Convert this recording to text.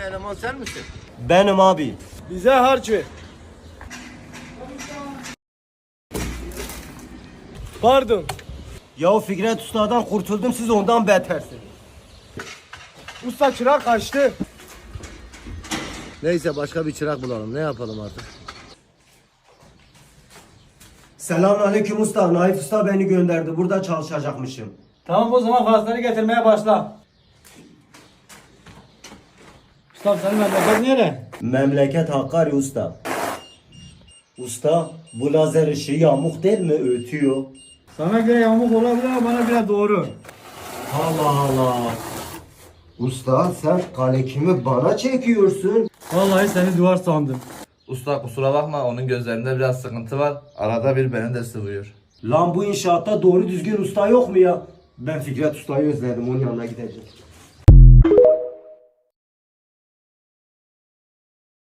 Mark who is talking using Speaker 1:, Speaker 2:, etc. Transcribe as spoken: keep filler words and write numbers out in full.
Speaker 1: eleman sen misin?
Speaker 2: Benim abi.
Speaker 3: Bize harç ver. Pardon.
Speaker 2: Ya Fikret Usta'dan kurtuldum, siz ondan betersiniz.
Speaker 3: Usta çırak kaçtı.
Speaker 1: Neyse başka bir çırak bulalım. Ne yapalım artık?
Speaker 2: Selamünaleyküm usta. Naif Usta beni gönderdi. Burada çalışacakmışım.
Speaker 4: Tamam o zaman fazlaları getirmeye başla. Usta senin memleket nere?
Speaker 2: Memleket Hakkari usta. Usta, bu lazer ışığı yamuk değil mi? Ötüyor.
Speaker 4: Sana göre yamuk olabilir ama bana göre doğru.
Speaker 2: Allah Allah. Usta sen kalekimi bana çekiyorsun.
Speaker 4: Vallahi seni duvar sandım.
Speaker 5: Usta kusura bakma, onun gözlerinde biraz sıkıntı var. Arada bir beni de sıvıyor.
Speaker 2: Lan bu inşaatta doğru düzgün usta yok mu ya? Ben Fikret Usta'yı özledim, onun yanına gideceğim.